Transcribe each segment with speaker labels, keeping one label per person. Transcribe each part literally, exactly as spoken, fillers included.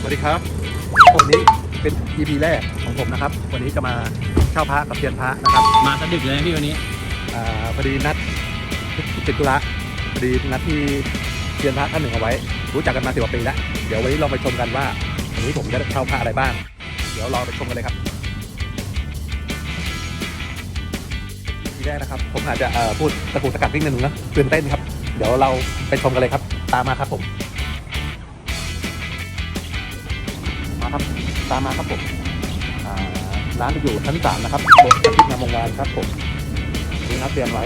Speaker 1: วัสดีครับวันนี้เป็น อี พี แรกของผมนะครับวันนี้จะมาเช่าพระกับเซียนพระนะครับ
Speaker 2: มาสะดึกเลยพี่วันนี้
Speaker 1: อ่าพอดีนัดติดธุระพอดีนัดที่เซียนพระท่านหนึ่งเอาไว้รู้จักกันมาสิบกว่าปีแล้วเดี๋ยววันนี้เราไปชมกันว่าวันนี้ผมจะเช่าพระอะไรบ้างเดี๋ยวเราไปชมกันเลยครับทีแรกนะครับผมอาจจะพูดตะกุกตะกักนิดนึงนะตื่นเต้นครับเดี๋ยวเราไปชมกันเลยครับตามมาครับผมมาครับตามมาครับผมร้านจะอยู่ชั้นสามนะครับบนอาทิตย์งามวงวานครับผมนี่นัดเตรียมไว้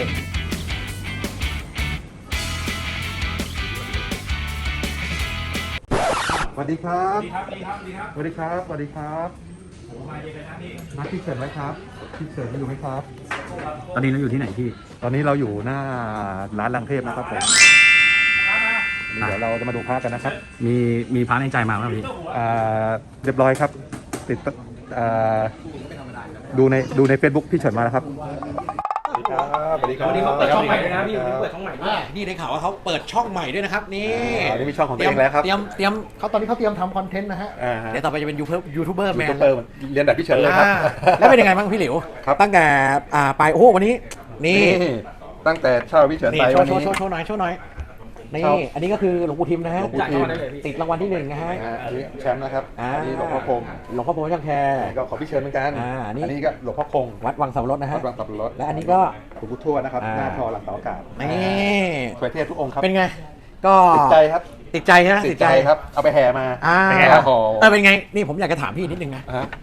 Speaker 1: สวัสดีครับสวัสดีครับสวัสดีครับสวัสดีครับนัดพี่เฉินไว้ครับพี่เฉินอยู่ไหมครับ
Speaker 2: ตอนนี้เราอยู่ที่ไหนพี่
Speaker 1: ตอนนี้เราอยู่หน้าร้านลังเทพนะครับผมเดี๋ยวเราจะมาดูพระกันนะครับ
Speaker 2: มีมีพระในใจมาไหมพี่
Speaker 1: เรียบร้อยครับติดดูในดูใน Facebook พี่เฉินมาแล้วครับสวัสดีครับสวัสดีครับ
Speaker 3: วันนี้เขาเปิดช่องใหม่ด้วยนะพี่วันนี้เปิดช่องใหม่ด้วยนี่ได้ข่าวว่าเขาเปิดช่องใหม่ด้วยนะครับนี่
Speaker 1: นี่มีช่องของตัวเองแล้วครับ
Speaker 3: เตรียมเตรียม
Speaker 4: เขาตอนนี้เขาเตรียมทำคอนเทนต์นะฮะ
Speaker 3: เดี๋ยวต่อไปจะเป็นยูทูบยูทูบเบอร์แมน
Speaker 1: เรียนแบบพี่เฉินเลยครับ
Speaker 3: แล้วเป็นยังไงบ้างพี่หลิวตั้งแต่ไปโอ้โหวันนี้นี่
Speaker 1: ตั้งแต่เช่าพี่เฉินไป
Speaker 3: วันนี้โชว์โชว์หน่อยโชว์หน่อยนี่อันนี้ก็คือหลวงปู่ทิมนะฮะติดรางวัลที่หนึ่งนะฮะ
Speaker 1: อันนี้แชมป์นะครับอันนี้หลวงพ่อคง
Speaker 3: หลวงพ่อคงช่างแคร์
Speaker 1: ก็ขอพี่เชิญเหมือนกันอันนี้ก็หลวงพ่อคง
Speaker 3: วัดวังสับปะรดนะฮะ
Speaker 1: วัดวังสับปะรด
Speaker 3: และอันนี้ก็
Speaker 1: หลวงปู่ทวดนะครับหน้าทอหลังเสาอากาศ
Speaker 3: นี่
Speaker 1: สวยเทพทุกองค์ครับ
Speaker 3: เป็นไงก็
Speaker 1: ติดใจครับ
Speaker 3: ติดใจนะ
Speaker 1: ติดใจครับเอาไปแห่มา
Speaker 3: เป็นไงครับเออเป็นไงนี่ผมอยากจะถามพี่นิดนึงนะ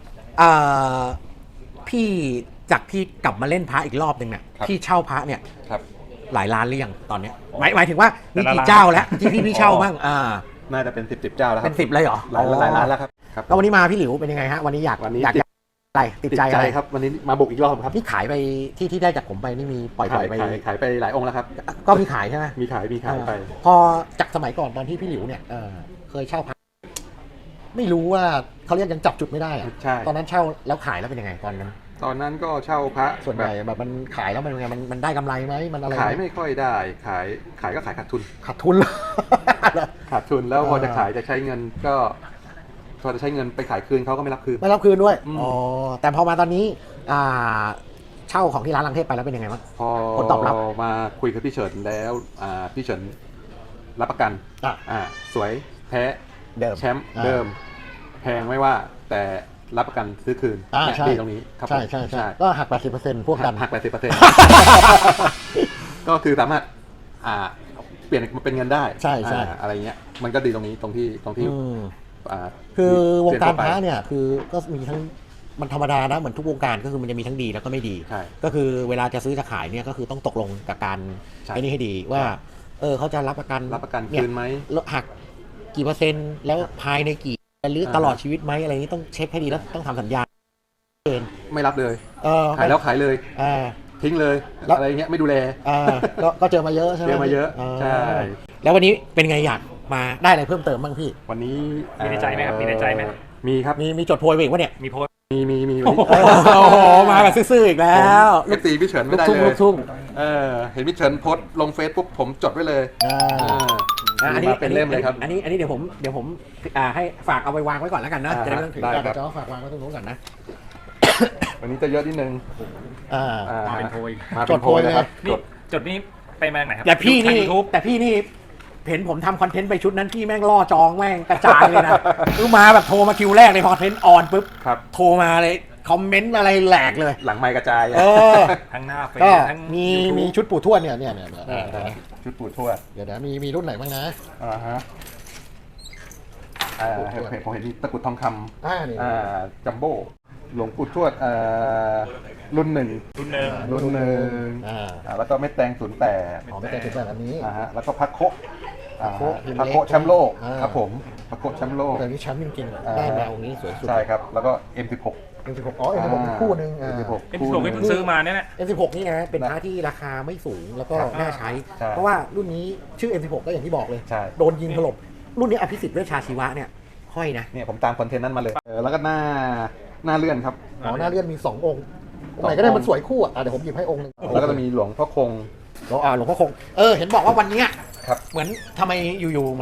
Speaker 3: พี่จากพี่กลับมาเล่นพระอีกรอบหนึ่งเนี่ยพี่เช่าพระเนี่ยหลายล้านหรือยังตอนนี้หมายหมายถึงว่ามีกี่เจ้าแล้วที่พี่พี่เช่าบ้างอ่า
Speaker 1: น่าจะเป็นสิบสิบเจ้าแล้วครับ
Speaker 3: เป็นสิบเลยเหรอ
Speaker 1: หลายหลายล้านแล้วครับ
Speaker 3: แล้ววันนี้มาพี่หลิวเป็นยังไงฮะวันนี้อยาก
Speaker 1: วันนี้
Speaker 3: อยากอะไรติดใจอะไร
Speaker 1: ครับวันนี้มาบุกอีกรอบครับ
Speaker 3: พี่ขายไปที่ที่ได้จากผมไปนี่มีปล่อยปล่อยไป
Speaker 1: ขายไปหลายองค์แล้วครับ
Speaker 3: ก็มีขายใช่ไหม
Speaker 1: มีขายมีขายไป
Speaker 3: พอจากสมัยก่อนตอนที่พี่หลิวเนี่ยเคยเช่าพระไม่รู้ว่าเขาเรียกยังจับจุดไม่ได้อะตอนนั้นเช่าแล้วขายแล้วเป็นยังไงตอนนั้น
Speaker 1: ตอนนั้นก็เช่าพระ
Speaker 3: ส่วนใหญ่แบบมันขายแล้วมันยังไงมันมันได้กำไรไหมมันอะไร
Speaker 1: ขายไม่ค่อยได้ขายขายก็ขายขาดทุน
Speaker 3: ขาดทุน
Speaker 1: ขาดทุนแล้วพอจะขายจะใช้เงินก็พอจะใช้เงินไปขายคืนเขาก็ไม่รับคืน
Speaker 3: ไม่รับคืนด้วยอ๋อแต่พอมาตอนนี้อ่าเช่าของที่ร้านลังเทพไปแล้วเป็นยังไงบ้าง
Speaker 1: พอผลตอบรับมาคุยกับพี่เฉินแล้วอ่าพี่เฉินรับประกันอ่าสวยแท้
Speaker 3: เดิม
Speaker 1: แชมป์เดิมแพงไม่ว่าแต่รับประกันซื้อคืนดีตรงนี้
Speaker 3: ใช่ใช่ใช่ก็หัก แปดสิบเปอร์เซ็นต์ พวกกัน
Speaker 1: หัก แปดสิบเปอร์เซ็นต์ ก็คือสามารถอ่าเปลี่ยนมาเป็นเงินได้
Speaker 3: ใช่ใช่
Speaker 1: อะไรเงี้ยมันก็ดีตรงนี้ตรงที่ตรงที่
Speaker 3: อ่าคือวงการพระเนี่ยคือก็มีทั้งมันธรรมดานะเหมือนทุกวงการก็คือมันจะมีทั้งดีแล้วก็ไม่ดีก็คือเวลาจะซื้อจะขายเนี่ยก็คือต้องตกลงกับการไอ้นี่ให้ดีว่าเออเขาจะรับประกัน
Speaker 1: รับประกันคืนไหม
Speaker 3: หักกี่เปอร์เซ็นต์แล้วภายในกี่หรือตลอดชีวิตไหมอะไรนี้ต้องเช็คให้ดีแล้วต้องทำสัญญาเกิน
Speaker 1: ไม่รับเลย
Speaker 3: ขาย
Speaker 1: แล้วขายเลยทิ้งเลยอะไรเงี้ยไม่ดูแล
Speaker 3: ก็เจอมาเยอะใช่ไหม
Speaker 1: เจอมาเยอะใช่
Speaker 3: แล้ววันนี้เป็นไงอยากมาได้อะไรเพิ่มเติมบ้างพี่
Speaker 1: วันนี้
Speaker 2: มีในใจไหมครับมีในใจไหม
Speaker 1: มีครับ
Speaker 3: มีมีจดโพยไปอีกวะเนี่ย
Speaker 2: มีโพย
Speaker 1: มีมีมี
Speaker 3: โอ้โหมาแบบซื่อๆอีกแล้ว
Speaker 1: เอฟซีพี่เฉินไม่ได้เลย
Speaker 3: ทุ่ง
Speaker 1: เออเห็นพี่เฉินโพสลงเฟซปุ๊บผมจดไว้เลย
Speaker 3: อันนี้
Speaker 1: เป็นเล่มเลยครับ
Speaker 3: อันนี้อันนี้เดี๋ยวผมเดี๋ยวผมให้ฝากเอาไปวางไว้ก่อนแล้วกันนะจะได้ไม่ต้องถือจะจะฝากวางไว้ตรงนู้นก่อนนะ
Speaker 1: วันนี้จะเยอะนิดนึง
Speaker 2: มาเป็นโพย
Speaker 3: จดโพยนะครับ
Speaker 2: จดนี้ไปมาไหนครับ
Speaker 3: แต่พี่นี่แต่พี่นี่เห็นผมทำคอนเทนต์ไปชุดนั้นพี่แม่งล่อจองแม่งกระจายเลยนะคือมาแบบโทรมาคิวแรกในคอนเทนต์ออนปุ๊บโทรมาเลยคอมเมนต์อะไรแหลกเลย
Speaker 1: หลังไมค์กระจาย
Speaker 3: เออ
Speaker 2: ทั้งหน้าเฟซ
Speaker 3: ทั้งมีมีชุดปู่ทวดเนี่ยเนี่ยเนี่ย
Speaker 1: ชุดปู่ทวด
Speaker 3: เดี๋ยวนะมีมีรุ่นไหนบ้างนะ
Speaker 1: อ่าฮะอ่าผมเห็นมีตะกุดทองคำ
Speaker 3: อ่านี่
Speaker 1: อ่าจัมโบ้หลวงปู่ทวดอ่ารุ่นหนึ่ง
Speaker 2: รุ่นหนึ่ง
Speaker 1: รุ่นหนึ่งอ่าแล้วก็เม็ดแตงศูนย์แปด
Speaker 3: อ๋อเม็ดแตงศูนย์แปดอันนี้
Speaker 1: อ่าฮะแล้วก็พักโคพักโคแชมป์โลกครับผมพักโคแชมป์โลก
Speaker 3: แต่นี่แชมป์จริงๆได้แนวนี้สวยสุด
Speaker 1: ใช่ครับแล้วก็ เอ็ม สิบหก
Speaker 3: เอ็ม สิบหก อ๋อ เอ็ม สิบหก คู่นึง
Speaker 1: เอ็ม สิบหก
Speaker 2: เอ็ม สิบหก ไม่เพิ่งซื้อมาเนี่ย
Speaker 3: เอ็ม สิบหก นี่นะเป็นพระที่ราคาไม่สูงแล้วก็น่าใช้เพราะว่ารุ่นนี้ชื่อ เอ็ม สิบหก ก็อย่างที่บอกเลยโดนยิงถล่มรุ่นนี้อภิสิทธิ์เวชชาชีวะเนี่ยห้อยนะ
Speaker 1: เนี่ยผมตามคอนเทนต์นั้นมาเลยแล้วก็หน้าหน้าเลื่อนครับ
Speaker 3: อ๋อหน้าเลื่อนมีสององค์องค์ไหนก็ได้มันสวยคู่อ่ะเดี๋ยวผมหยิบให้องค์นึง
Speaker 1: แล้วก็จะมีหลวงพ่อคง
Speaker 3: หลวงอ่าหลวงพ่อคงเออเห็นบอกว่าวันนี้เหมือนทำไมอยู่ๆเหมือน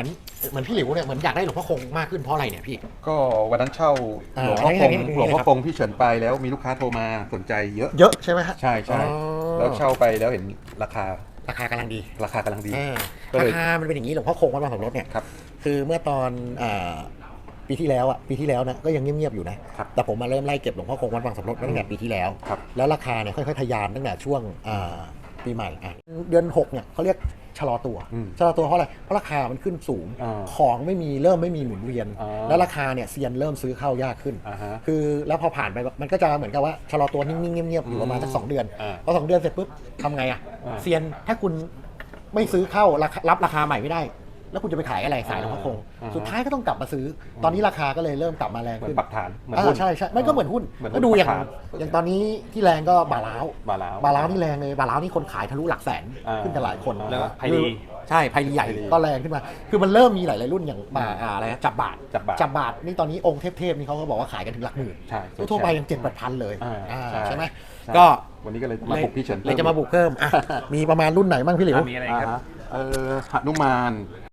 Speaker 3: เหมือนพี่หลิวเนี่ยเหมือนอยากได้หลวงพ่อคงมากขึ้นเพราะอะไรเนี่ยพี่
Speaker 1: ก็วันนั้นเช่า
Speaker 3: อ่า
Speaker 1: หลวงพ่อคง
Speaker 3: อันนี้
Speaker 1: หลวงพ่อ
Speaker 3: ครับ
Speaker 1: คงพี่เฉินไปแล้วมีลูกค้าโทรมาสนใจเยอะ
Speaker 3: เยอะใช่ไหมฮะ
Speaker 1: ใช่ใช่
Speaker 3: อ๋อ
Speaker 1: แล้วเช่าไปแล้วเห็นราคา
Speaker 3: ราคากำลังดี
Speaker 1: ราคากำลังดี
Speaker 3: อ่า
Speaker 1: ก็เลย
Speaker 3: ราคามันเป็นอย่างนี้หลวงพ่อคงวัดบางสมรสเนี่ย
Speaker 1: ครับ
Speaker 3: คือเมื่อตอนอ่าปีที่แล้วอ่ะปีที่แล้วนะก็ยังเงียบๆอยู่นะครับ แต่ผมมาเริ่มไล่เก็บหลวงพ่อคงวัดบางสมรสมาตั้งแต่ปีที่แล้ว
Speaker 1: ครับ
Speaker 3: แล้วราคาเนี่ยค่อยๆทะยานตั้งแต่ช่วงอ่าปีใหม่อ่ะเดือนหกเนี่ยเขาเรียกชะลอตัว
Speaker 1: อืม
Speaker 3: ชะลอตัวเพราะอะไรเพราะราคามันขึ้นสูง
Speaker 1: อ่า
Speaker 3: ของไม่มีเริ่มไม่มีหมุนเวียน
Speaker 1: อ่า
Speaker 3: แล้วราคาเนี่ยเซียนเริ่มซื้อเข้ายากขึ้น
Speaker 1: อ่าฮะ
Speaker 3: คือแล้วพอผ่านไปมันก็จะเหมือนกับว่าชะลอตัวนิ่งๆเงียบๆอยู่ประมาณสักสองเดือน
Speaker 1: อ่า
Speaker 3: พอสองเดือนเสร็จปุ๊บทำไงอ่ะ
Speaker 1: อ่า
Speaker 3: เซียนถ้าคุณไม่ซื้อเข้าราคารับราคาใหม่ไม่ได้ แล้วคุณจะไปขายอะไรสายหลวงพ่อคง
Speaker 1: อ่า
Speaker 3: สุดท้ายก็ต้องกลับมาซื้อ ตอนนี้ราคาก็เลยเริ่มกลับมาแรง
Speaker 1: เหมือ
Speaker 3: ขึ้
Speaker 1: น
Speaker 3: น
Speaker 1: ปรับฐานเหมือน
Speaker 3: อ่า
Speaker 1: หุ้น
Speaker 3: ใช่ใช่มันก็เหมือนหุ้น
Speaker 1: เหมือน
Speaker 3: ก็ดูอย่าง
Speaker 1: ปรับฐาน
Speaker 3: อย่างตอนนี้ที่แรงก็บาล้าว
Speaker 1: บาลาว
Speaker 3: บาล้าวนี่แรงเลยบาล้าวนี่คนขายทะลุหลักแสน
Speaker 1: อ่า
Speaker 3: ขึ้นกันหลายคน
Speaker 2: แล้วก็ไพลี
Speaker 3: ใช่ไพลีใหญ่
Speaker 1: ไพลี
Speaker 3: ก็แรงขึ้นมา คือมันเริ่มมีหลายๆรุ่นอย่างบาอ่าอะไรนะจับบาท
Speaker 1: จับบาท
Speaker 3: จับบาทนี่ตอนนี้องค์เทพๆนี่เขาก็บอกว่าขายกันถึงหลักหมื่น
Speaker 1: ใช่
Speaker 3: ทั่วๆไปยังเจ็ดแปดพันเลย
Speaker 1: อ่า
Speaker 3: อ่า
Speaker 1: ใช่
Speaker 3: ใช่ไหม
Speaker 1: ใช่
Speaker 3: ก็
Speaker 1: วันนี้ก็เลยมาปลุกพี่เฉิน
Speaker 3: เลยจะมาบุกเพิ่มอ่ะมีประมาณรุ่นไหนบ้างพี่หลิว
Speaker 2: อ่ะมีอะไร
Speaker 1: อ่า
Speaker 2: ครับ
Speaker 1: ฮะเออหนุมาน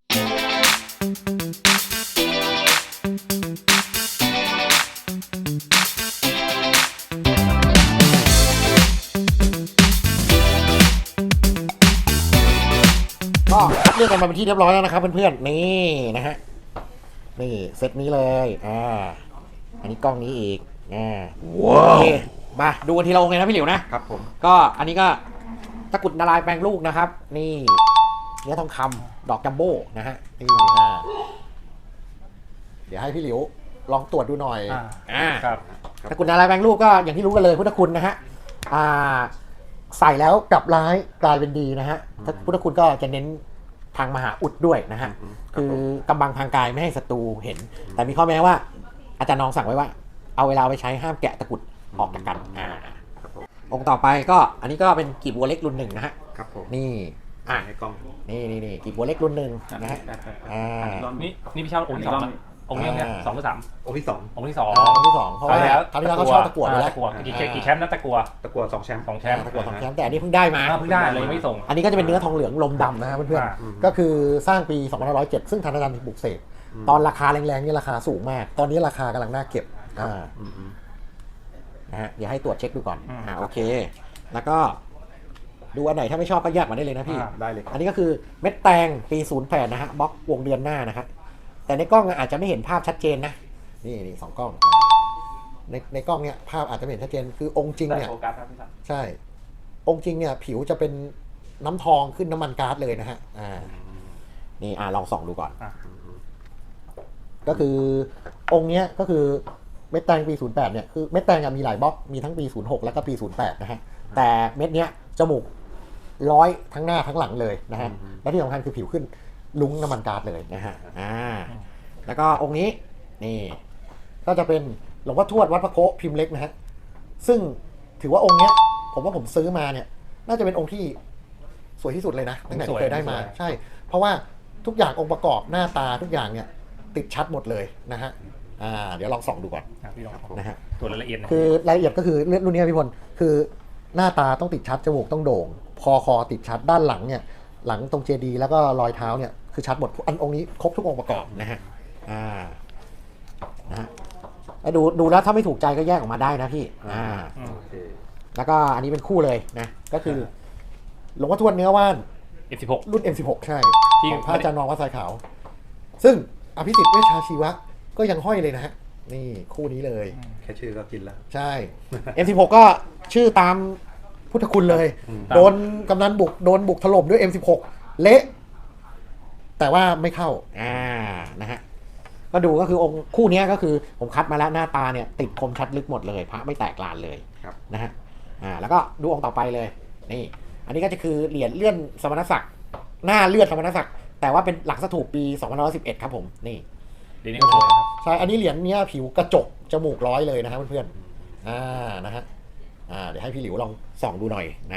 Speaker 3: ก็คัดเลือกกันมาเป็นที่เรียบร้อยแล้วนะครับเพื่อนๆนี่นะฮะนี่เซตนี้เลยอ่าอันนี้กล้องนี้อีกอ่าว้าวมาดูกันทีละองค์เลยนะพี่หลิวนะครับ
Speaker 1: ผม
Speaker 3: ก็อันนี้ก็ตะกรุดนารายณ์แปลงลูกนะครับ นี่เนื้อทองคำดอกจัมโบ้นะฮะนี่อ่าเดี๋ยวให้พี่หลิวลองตรวจดูหน่อย
Speaker 2: อ่า
Speaker 3: อ่า
Speaker 2: ครับ
Speaker 3: ตะกรุดนารายณ์แปลงลูกก็อย่างที่รู้กันเลยพุทธคุณนะฮะอ่าใส่แล้วกลับร้ายกลายเป็นดีนะฮะพุทธคุณก็จะเน้นทางมหาอุดด้วยนะฮะ คือกำบังทางกายไม่ให้ศัตรูเห็น แต่มีข้อแม้ว่า อาจารย์น้องสั่งไว้ว่า เอาเวลาไปใช้ห้ามแกะตะกรุดออกจากกันอ่าองค์ต่อไปก็อันนี้ก็เป็นกีบบัวเล็กรุ่นหนึ่งนะฮะ
Speaker 1: ครับผม
Speaker 3: นี่อ่ะ
Speaker 1: ให้กล้อง
Speaker 3: นี่นี่นี่กีบบัวเล็กรุ่นหนึ่งนะฮะอ่า
Speaker 2: นี่นี่พี่เช่าองค์ที่สองนะองค์นี้เนี่ย
Speaker 3: อ่า
Speaker 2: สองหรือสาม
Speaker 1: องค์ที่สอง
Speaker 2: องค์ที่สอง
Speaker 3: องค์ที่สองเพราะว่าคราวที่แล้วเขาชอบตะกรวดไปแล้ว
Speaker 2: ตะกัวกี่กี่แชมป์นะตะกัว
Speaker 1: ตะกัวสองแชมป์
Speaker 2: สองแชมป์
Speaker 3: ตะกรวดสองแชมป์แต่อันนี้เพิ่งได้มา
Speaker 2: อ่าเพิ่งได้เลยไม่ส่ง
Speaker 3: อันนี้ก็จะเป็นเนื้อทองเหลืองลมดำนะฮะเพื่อน
Speaker 2: อ่า
Speaker 3: ๆก็คือสร้างปีสองพันห้าร้อยเจ็ดซึ่งทางอาจารย์บุกเสกตอนราคาแรงๆนี่ราคาสูงมาก ตอนนี้ราคากำลังน่าเก็บอ่า
Speaker 1: อืม
Speaker 3: นะฮะเดี๋ยวให้ตรวจเช็คดูก่อน
Speaker 2: อืม
Speaker 3: อ่าโอเค แล้วก็ดูอันไหนถ้าไม่ชอบก็แยกมาได้เลยนะพี่
Speaker 2: อ่าได้เลย
Speaker 3: อันนี้ก็คือเม็ดแตงปีศูนย์แปดนะฮะบล็อกวงเดือนหน้านะครับแต่ในกล้องอาจจะไม่เห็นภาพชัดเจนนะนี่นี่สองกล้องในในกล้องเนี่ยภาพอาจจะไม่เห็นชัดเจนคือองค์จริง
Speaker 2: ได้
Speaker 3: เนี่ย
Speaker 2: โฟกัสครับพี่สัน
Speaker 3: ใช่ องค์จริงเนี่ยผิวจะเป็นน้ำทองขึ้นน้ำมันก๊าซเลยนะฮะอ่านี่อ่าลองส่องดูก่อน
Speaker 2: อ่ะ
Speaker 3: ก็คือองค์เนี้ยก็คือเม็ดแตงปีศูนย์แปดเนี่ยคือเม็ดแตงอะมีหลายบล็อกมีทั้งปีศูนย์หกแล้วก็ปีศูนย์แปดนะฮะแต่เม็ดเนี้ยจมูกร้อยทั้งหน้าทั้งหลังเลยนะฮะแล้วที่สำคัญคือผิวขึ้นลุ้งน้ำมันก๊าซเลยนะฮะอ่าแล้วก็องค์นี้นี่ก็จะเป็นหลวงพ่อทวดวัดพระโคพิมพ์เล็กนะฮะซึ่งถือว่าองค์เนี้ยผมว่าผมซื้อมาเนี่ยน่าจะเป็นองค์ที่สวยที่สุดเลยนะตั้งแต่เคยได้มาใช่ เพราะว่าทุกอย่างองค์ประกอบหน้าตาทุกอย่างเนี่ยติดชัดหมดเลยนะฮะอ่าเดี๋ยวลองส่องดูก่อน
Speaker 2: อ่ะพี่ลอง
Speaker 3: นะฮะ
Speaker 2: ตรวจรายละเอียดหนะ
Speaker 3: คือรายละเอียดก็คือเรื่องรุ่นนี้พี่พลคือหน้าตาต้องติดชัดจมูกต้องโด่งคอคอติดชัดด้านหลังเนี่ยหลังตรงเจดีย์แล้วก็รอยเท้าเนี่ยคือชัดหมดอันองค์นี้ครบทุกองค์ประกอบนะฮะอ่านะฮะแล้วดูดูแล้วถ้าไม่ถูกใจก็แยกออกมาได้นะพี่อ่า
Speaker 2: อืม
Speaker 1: โอเค
Speaker 3: แล้วก็อันนี้เป็นคู่เลยนะก็คือหลวงพ่อทวดเนื้อว่าน
Speaker 2: เอฟสิบหก
Speaker 3: รุ่น เอ็ม สิบหก ใช่
Speaker 2: ที่
Speaker 3: ของพระอาจารย์นองวัดสายขาว ซึ่งอภิสิทธิ์เวชชาชีวะก็ยังห้อยเลยนะฮะนี่คู่นี้เลย
Speaker 1: แค่ชื่อก็กินแล้ว
Speaker 3: ใช่ เอ็ม สิบหก ก็ชื่อตามพุทธคุณเลย
Speaker 1: อืม
Speaker 3: โดนกำนันบุกโดนบุกถล่มด้วย เอ็ม สิบหก เละแต่ว่าไม่เข้าอ่านะฮะก็ดูก็คือองค์คู่นี้ก็คือผมคัดมาแล้วหน้าตาเนี่ยติดคมชัดลึกหมดเลยพระไม่แตกลานเลย
Speaker 1: ครับ
Speaker 3: นะฮะอ่าแล้วก็ดูองค์ต่อไปเลยนี่อันนี้ก็จะคือเหรียญเลื่อนสมณศักดิ์หน้าเลื่อนสมณศักดิ์แต่ว่าเป็นหลักสถูปปีสองพันห้าร้อยสิบเอ็ดครับผมนี่
Speaker 2: เดี๋ยวนี้ก็สวยนะครับ
Speaker 3: ใช่อันนี้เหรียญเนี้ยผิวกระจกจมูกร้อยเลยนะครับเพื่อนๆอ่านะฮะอ่าเดี๋ยวให้พี่หลิวลองส่องดูหน่อยนะ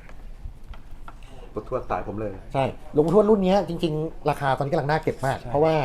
Speaker 1: ปุทวดสายผมเลย
Speaker 3: ใช่หลวงพ่อทวดรุ่นเนี้ยจริงๆ ราคาตอนนี้กำลังน่าเก็บมาก เพราะว่า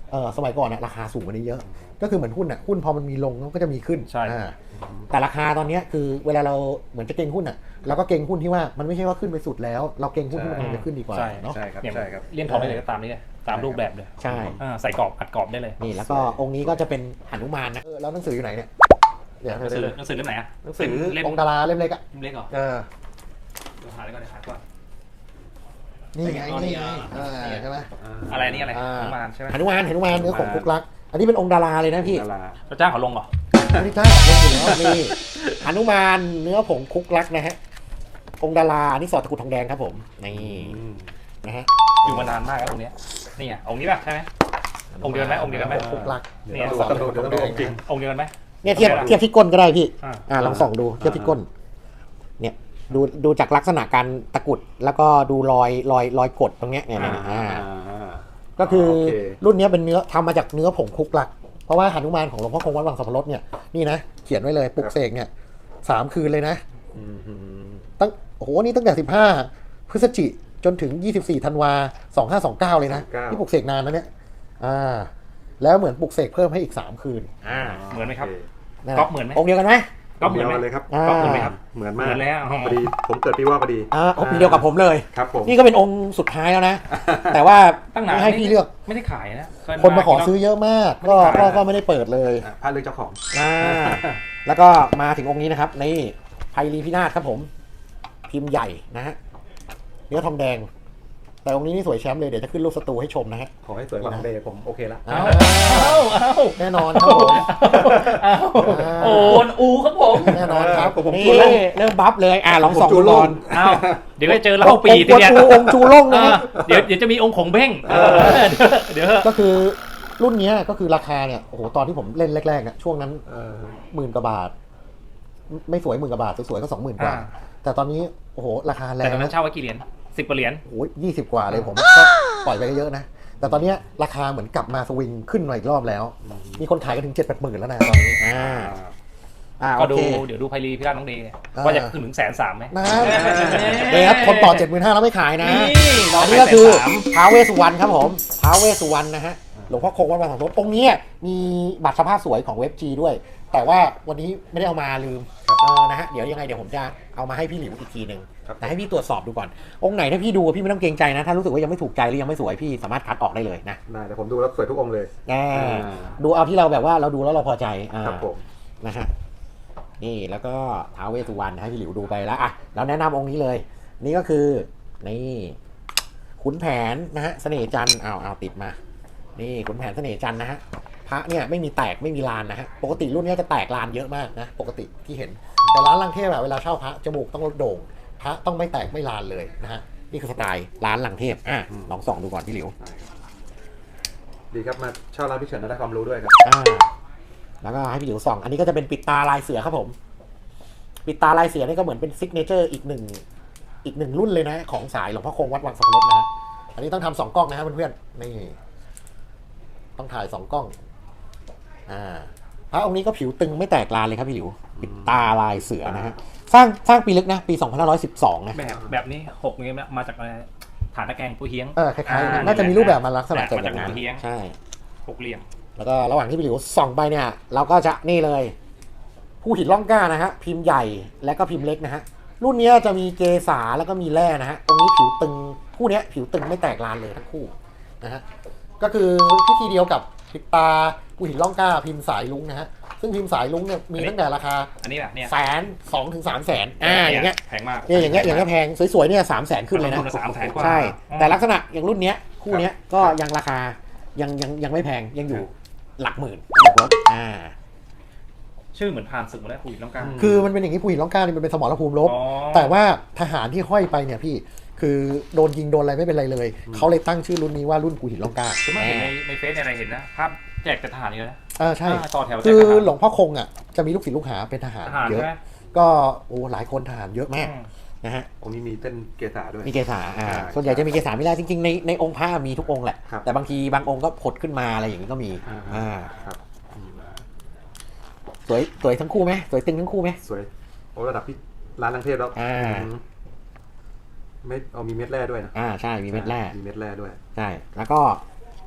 Speaker 3: เออสมัยก่อนอะราคาสูงกว่านี้เยอะ ก็คือเหมือนหุ้นอะหุ้นพอมันมีลงมันก็จะมีขึ้น
Speaker 2: ใช่
Speaker 3: อ่าแต่ราคาตอนเนี้ยคือเวลาเราเหมือนจะเก็งหุ้นอะเราก็เก็งหุ้นที่ว่ามันไม่ใช่ว่าขึ้นไปสุดแล้ว เราเก็งหุ้นที่มันกำลังจะขึ้นดีกว่า
Speaker 2: ใช่
Speaker 3: เนาะ
Speaker 1: ใช่ครับ
Speaker 2: อย่าง
Speaker 1: ใช่ครับ
Speaker 2: เลี่ยมทองได้เลยก็ตามนี้เลยตามรูปแบบเลย
Speaker 3: ใช่
Speaker 2: อ่าใส่กรอบอัดกรอบได้เลย
Speaker 3: นี่แล้วก็องค์นี้ก็จะเป็นหนุมานนะเออแล้วหนังสืออยู่ไหนเนี่ยเดี๋ยว
Speaker 2: หนังสือหนังสือเล่มไหนอะ
Speaker 3: หนังสือ
Speaker 2: เล่ม
Speaker 3: องค์ดาราเล่มเล็กอะ
Speaker 2: เล่มเล็กเหรอ
Speaker 3: เออ
Speaker 2: เดี๋ยวหาได้ก่อนเดี๋ยวหาก่อน
Speaker 3: นี่ไง
Speaker 2: อ๋อนี่
Speaker 3: นี่ไง
Speaker 2: อ่า
Speaker 3: อ่าใช่ไหม
Speaker 2: อะไรนี่อะไร
Speaker 3: อ่า
Speaker 2: หนุมานใช่ไหม
Speaker 3: หนุมานหนุมานเนื้อของคุกลัก อันนี้เป็นองค์ดาราเลยนะพี่
Speaker 1: ดารา
Speaker 2: เราจ้างเขาลงเหรอ
Speaker 3: อันนี้จ้าลงอยู่แล้วนี่หนุมานเนื้อผงคุกลักนะฮะองค์ดาราอันนี้สอดตะกรุดทองแดงครับผมนี่
Speaker 1: อืม
Speaker 3: นะฮะ
Speaker 2: อยู่มานานมากแล้วองค์เนี้ยนี่ไงองค์นี้ป่ะใช่ไหม องค์เดียวกันไหมองค์เดียวกันไหม
Speaker 3: คุกลัก
Speaker 1: เดี๋ยวต้องดูเดี๋ยวต้องดูจริง
Speaker 2: องค์เดียวกันไหม
Speaker 3: เนี่ยเทียบเทียบที่ก้นก็ได้พี่
Speaker 2: อ่า
Speaker 3: อ่าลองส่องดูเทียบที่ก้น เนี่ยดูดูจากลักษณะการตะกรุดแล้วก็ดูรอยรอยรอยกดตรงเนี้ยเนี่ยเนี่ยอ่า ก็คือ
Speaker 1: โอเค
Speaker 3: รุ่นนี้เป็นเนื้อทำมาจากเนื้อผงคุกลัก เพราะว่าหนุมานของหลวงพ่อคงวัดวังสัพพรสเนี่ยนี่นะเขียนไว้เลยปลุกเสกเนี่ยสามคืนเลยนะ
Speaker 1: อืมอืม
Speaker 3: ตั้งโอ้โหนี่ตั้งแต่สิบห้าพฤศจิจนถึงยี่สิบสี่ธันวาสองห้าสองเก้าเลยนะที่ปลุกเสกนานนะเนี่ยอ่าแล้วเหมือนปลุกเสกเพิ่มให้อีกสามคืน
Speaker 2: อ่าเหมือนไหมครับ
Speaker 3: นั่น
Speaker 2: ก๊อปเหมือนไหม
Speaker 3: องค์เดียวกันไหม
Speaker 2: ก๊อปเหมือนไหม
Speaker 1: เลยครับ
Speaker 3: อ่า
Speaker 2: ก๊อปเหมือนไหมครับ
Speaker 1: เหมือน
Speaker 2: เห
Speaker 1: มาก
Speaker 2: มือนแล้ว
Speaker 1: พอดีผมเกิดปีว่าพอดี
Speaker 3: อ่าองค์เดียวกับผมเลย
Speaker 1: ครับผม
Speaker 3: นี่ก็เป็นองค์สุดท้ายแล้วนะ แต่ว่า
Speaker 2: ตั้งนาน
Speaker 3: ไม่ให้พี่เลือก
Speaker 2: ไม่ได้ขายนะเย
Speaker 3: คนมาขอซื้อเยอะมาก ก็
Speaker 2: ไม่ได้ขาย
Speaker 3: ก็
Speaker 2: นะ
Speaker 3: ก็ไม่ได้เปิดเลย
Speaker 1: อ่ะพลาดเรื่องเจ้าของ
Speaker 3: อ่าแล้วก็มาถึงองค์นี้นะครับนี่ไพรีพินาศครับผม พิมพ์ใหญ่นะฮะเนื้อทองแดง แต่องค์นี้นี่สวยแชมป์เลยเดี๋ยวจะขึ้นรูปสตูให้ชมนะฮะ
Speaker 1: ขอให้สวยกว่าของเดย์ผมโอเคละ
Speaker 3: อ่า
Speaker 2: เอ้าเอ้า
Speaker 3: แน่นอนครับผม
Speaker 2: เอ้าโอ้นอูครับผม
Speaker 3: แน่นอนครับ
Speaker 1: ผม
Speaker 3: นี่
Speaker 1: จูโล่ง
Speaker 3: เริ่มบัฟเลยอ่าลองส่อง
Speaker 1: ผมจู
Speaker 3: ดู
Speaker 1: โล่
Speaker 3: ก่อง น
Speaker 2: เอ้าเดี๋ยวก็เจอเหล้าปี
Speaker 3: องค์
Speaker 2: ทีเนี้ย
Speaker 3: จูองค์จูโล่งนะ
Speaker 2: อ่า
Speaker 3: ฮะ
Speaker 2: เดี๋ยวเดี๋ยวจะมีองค์ขงเบ้งเออเดี๋ยวเดี๋ยว
Speaker 3: ก็คือรุ่นเนี้ยก็คือราคาเนี่ยโอ้โหตอนที่ผมเล่นแรกๆเนี่ยช่วงนั้น
Speaker 1: เออ
Speaker 3: หมื่นกว่าบาท ไม่สวยหมื่นกว่าบาทสวยๆก็สองหมื่นกว่า
Speaker 2: อ่า
Speaker 3: แต่ตอนนี้โอ้โหราคาแร
Speaker 2: แต่
Speaker 3: ง
Speaker 2: ตอนนั้น
Speaker 3: นะ
Speaker 2: เช่าไว้กี่เหรียญสิบกว่าเหรียญ
Speaker 3: โอ้ยยี่สิบกว่าเลยผมก็ปล่อยไปเยอะนะ แต่ตอนเนี้ยราคาเหมือนกลับมาสวิงขึ้นมาอีกรอบแล้ว มีคนขายกันถึงเจ็ดแปดหมื่นแล้วนะตอนนี้อ่าอ่า
Speaker 2: ก็
Speaker 3: โอ
Speaker 2: ดู
Speaker 3: เค
Speaker 2: เดี๋ยวดูไพรีพิราชน้องเดย์
Speaker 3: อ่า
Speaker 2: ว่าจะขึ้นถึงแสนสามไหม
Speaker 3: นะเดี๋ยวครับคนต่อเจ็ดหมื่นห้าแล้วไม่ขายนะ
Speaker 2: นี่รอ
Speaker 3: อัน
Speaker 2: ไป
Speaker 3: นี้ก็คือ
Speaker 2: แสนสาม
Speaker 3: ท้าวเวสสุวรรณครับผมท้าวเวสสุวรรณนะฮะหลวงพ่อคงวัดบางสังรถองค์นี้มีบัตรสภาพสวยของเว็บจีด้วย แต่ว่าวันนี้ไม่ได้เอามาลืมเออนะฮะเดี๋ยวยังไงเดี๋ยวผมจะเอามาให้พี่หลิวอีกทีหนึ่ง
Speaker 1: ครับ
Speaker 3: แต่ให้พี่ตรวจสอบดูก่อน องค์ไหนถ้าพี่ดูพี่ไม่ต้องเกรงใจนะ ถ้ารู้สึกว่ายังไม่ถูกใจหรือยังไม่สวยพี่สามารถคัดออกได้เลยนะ
Speaker 1: ได้แต่ผมดูแล้วสวยทุกองค์เลย
Speaker 3: อ่า
Speaker 1: อ่า
Speaker 3: ดูเอาที่เราแบบว่าเราดูแล้วเราพอใจอ่า
Speaker 1: ครับผม
Speaker 3: นะฮะนี่แล้วก็ท้าวเวสสุวรรณให้พี่หลิวดูไปแล้วอ่ะเราแนะนำองค์นี้เลย นี่ก็คือนี่ขุนแผนนะฮะเสน่ห์จันทร์เอาเอาติดมา นี่ขุนแผนเสน่ห์จันทร์นะฮะพระเนี่ยไม่มีแตกไม่มีลานนะฮะปกติรุ่นเนี้ยจะแตกลานเยอะมากนะปกติที่เห็น แต่ร้านลังเทพอะเวลาเช่าพระจมูกต้องลดโด่งพระต้องไม่แตกไม่ลานเลยนะฮะนี่คือสไตล์ร้านลังเทพอ่ะลองส่องดูก่อนพี่หลิว
Speaker 1: ดีครับมาเช่าร้านพี่เฉินแล้วได้ความรู้ด้วยครับ
Speaker 3: อ่าแล้วก็ให้พี่หลิวส่องอันนี้ก็จะเป็นปิดตาลายเสือครับผม ปิดตาลายเสือนี่ก็เหมือนเป็นซิกเนเจอร์อีกหนึ่งอีกหนึ่งรุ่นเลยนะของสายหลวงพ่อคงวัดวังสังรถนะฮะอันนี้ต้องทำสองกล้องนะฮะเพื่อนๆนี่ต้องถ่ายสองกล้องอ่าพระองค์นี้ก็ผิวตึงไม่แตกลานเลยครับพี่หลิวปิดตาลายเสือนะฮะสร้างสร้างปีลึกนะปีสองพันห้าร้อยสิบสองนะ
Speaker 2: แบบแบบนี้หกนี้มาจากอะไรฐานตะแกรงปูเฮียง
Speaker 3: เออคล้ายๆ
Speaker 2: อ่า
Speaker 3: น่าจะมีรูปแบบมาลักษณะ
Speaker 2: แบบ
Speaker 3: จากอย่างนั้น
Speaker 2: มาจากหัวเทียง
Speaker 3: ใช่
Speaker 2: หกเหลี่ยม
Speaker 3: แล้วก็ระหว่างที่พี่หลิวส่องไปเนี่ย เราก็จะนี่เลย ผู้หินล่องกล้านะฮะพิมพ์ใหญ่และก็พิมพ์เล็กนะฮะรุ่นนี้จะมีเกษาแล้วก็มีแร่นะฮะตรงนี้ผิวตึงคู่เนี้ยผิวตึงไม่แตกลานเลยทั้งคู่นะฮะก็คือพิธีเดียวกับปิดตาผู้หินล่องกล้าพิมพ์สายลุงนะฮะซึ่งพิมพ์สายลุงเนี่ยมีตั้งแต่ราคา
Speaker 2: อันนี้แหละเนี่ย
Speaker 3: แสนสองถึงสามแสนอ่าอย่างเงี้ย
Speaker 2: แพงมาก
Speaker 3: เนี่ยอย่างเงี้ยอย่างเงี้ยแพงสวยๆเนี่ยสามแสนขึ้นเลยนะ
Speaker 2: สามแสนกว่า
Speaker 3: ใช่แต่ลักษณะอย่างรุ่นเนี้ยคู่เนี้ยก็ยังราคายังยังยังไม่แพงยังอยู่หลักหมื่นอ่า
Speaker 2: ชื่อเหมือนผ่านศึกมาแล้วคุยน้ำกลาง
Speaker 3: คือมันเป็นอย่างนี้ผู้หญิงร้องกล้านี่มันเป็นสมรภูมิรบ
Speaker 2: อ๋อ
Speaker 3: แต่ว่าทหารที่ห้อยไปเนี่ยพี่คือโดนยิงโดนอะไรไม่เป็นไรเลยเขาเลยตั้งชื่อรุ่นนี้ว่ารุ่นกูหินร้องกล้า
Speaker 2: คือเมื่อเห็นในในเฟซในอะไรเห็นนะภาพแจกแต่ทหารนี่เลยนะ
Speaker 3: อ่าใช่
Speaker 2: อ่าต่อแถวแจก
Speaker 3: คือ
Speaker 2: ทหาร
Speaker 3: หลวงพ่อคงอ่ะจะมีลูกศิษย์ลูกหาเป็นทหาร
Speaker 2: ทหาร
Speaker 3: เยอะ
Speaker 2: ใช่ไหม
Speaker 3: ก็โอ้หลายคนทหารเยอะมาก
Speaker 2: อืม
Speaker 3: นะฮะ
Speaker 1: องค์นี้มีเต้นเกษาด้วย
Speaker 3: มีเกษาอ่า
Speaker 1: ใช่
Speaker 3: ส่วนใหญ่จะมีเกษาไม่ได้จริงๆในในองค์พระมีทุกองค์แหละ
Speaker 1: ครับ
Speaker 3: แต่บางทีบางองค์ก็ผดขึ้นมาอะไรอย่างนี้ก็มี
Speaker 1: อ่า
Speaker 3: อ่า
Speaker 1: ครับอืม
Speaker 3: สวยสวยทั้งคู่ไหมสวยตึงทั้งคู่ไหม
Speaker 1: สวยโอ้ระดับพี่ร้านลังเทพแล้ว
Speaker 3: อ่า
Speaker 1: อืมไม่เอามีเม็ดแร่ด้วยนะ
Speaker 3: อ่าใช่มีเม็ดแร่
Speaker 1: มีเม็ดแร่ด้วย
Speaker 3: ใช่แล้วก็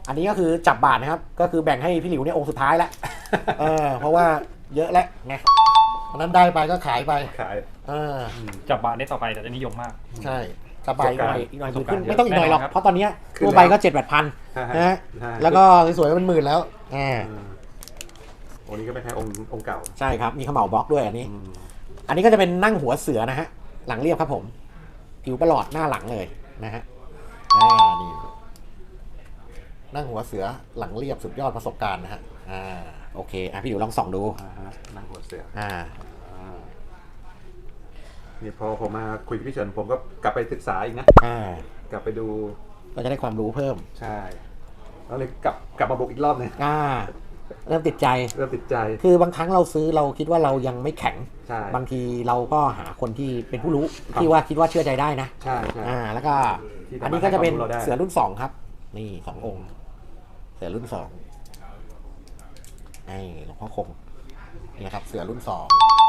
Speaker 3: อันนี้ก็คือจับบาทนะครับ ก็คือแบ่งให้พี่หลิวเนี่ยองค์สุดท้ายแล้ว เออเพราะว่าเยอะแล้วไง
Speaker 4: อันนั้นได้ไปก็ขายไป
Speaker 1: ขาย
Speaker 3: เออ
Speaker 2: จับบาทได้ต่อไปแต่จะนิยมมาก
Speaker 3: ใช่จับใบอีกหน่อยอีกหน่อย
Speaker 2: ประสบ
Speaker 3: ขึ้
Speaker 2: การ
Speaker 3: น
Speaker 2: ณ์
Speaker 3: ไม่ต้องอีกหน่อยหรอก
Speaker 2: แน่นอนครับ
Speaker 3: เพราะตอนเนี้ย
Speaker 1: ขึ้น
Speaker 3: ตัวใบ
Speaker 1: แล้ว
Speaker 3: ก็เจ็ดแปดพันนะฮะ
Speaker 1: ใช่
Speaker 3: แล้วก็สวยๆเป็นหมื่นแล้วอ่า
Speaker 1: อืมโอ้นี่ก็ไม่แพ้องค์องค์เก่า
Speaker 3: ใช่ครับมีขมเหลาบล็อกด้วยอันนี้
Speaker 1: อืม
Speaker 3: อันนี้ก็จะเป็นนั่งหัวเสือนะฮะหลังเรียบครับผมผิวประหลอดหน้าหลังเลยนะฮะอ่านี่นั่งหัวเสือหลังเรียบสุดยอดประสบการณ์นะฮะอ่าโอเคอ่ะพี่หลิวลองส่องดู
Speaker 1: อ่าฮะนั่งหัวเสือ
Speaker 3: อ่า
Speaker 1: อ่านี่พอผมมาคุยกับพี่เฉินผมก็กลับไปศึกษาอีกนะ
Speaker 3: อ่าก
Speaker 1: ลับไปดู
Speaker 3: ก็จะได้ความรู้เพิ่ม
Speaker 1: ใช่แล้วเลยกลับกลับมาบุกอีกรอบหนึง
Speaker 3: อ่าเริ่มติดใจ
Speaker 1: เริ่มติดใจ
Speaker 3: คือบางครั้งเราซื้อเราคิดว่าเรายังไม่แข็ง
Speaker 1: ใช่
Speaker 3: บางทีเราก็หาคนที่เป็นผู้รู้
Speaker 1: ครับ
Speaker 3: ที่ว่าคิดว่าเชื่อใจได้นะ
Speaker 1: ใช่ใช่
Speaker 3: อ่า แล้วก็
Speaker 1: ที่ทำ
Speaker 3: อันนี้ก็จะเป็น
Speaker 1: ให้ความรู้เราได้
Speaker 3: เสือรุ่นสองครับ นี่สององค์ เสือรุ่นสองนี่หลวงพ่อคงนี่นะครับ เสือรุ่นสอง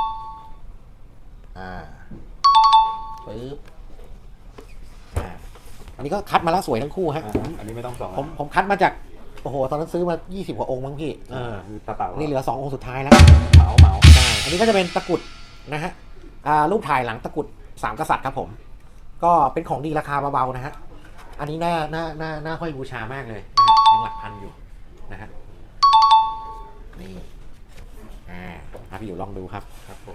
Speaker 3: อ่าปึ๊บอ่าอันนี้ก็คัดมาแล้วสวยทั้งคู่ฮะ
Speaker 1: อ่า
Speaker 3: ผม
Speaker 1: อันนี้ไม่ต้องส่อง
Speaker 3: ผมผมคัดมาจากโอ้โหตอนนั้นซื้อมายี่สิบกว่าองค์มั้งพี่เออ
Speaker 1: คือตาเปล่า
Speaker 3: นี่เหลือสององค์สุดท้ายแล้ว
Speaker 1: เหมาเหมา
Speaker 3: ใช่ อันนี้ก็จะเป็นตะกรุดนะฮะ อ่ารูปถ่ายหลังตะกรุดสามกษัตริย์ครับผม ก็เป็นของดีราคาเบาๆนะฮะ อันนี้น่าน่าน่าน่าห้อยบูชามากเลยนะฮะยังหลักพันอยู่นะฮะ นี่ อ่าอ่ะพี่อยู่ลองดูครับ
Speaker 1: ครับผม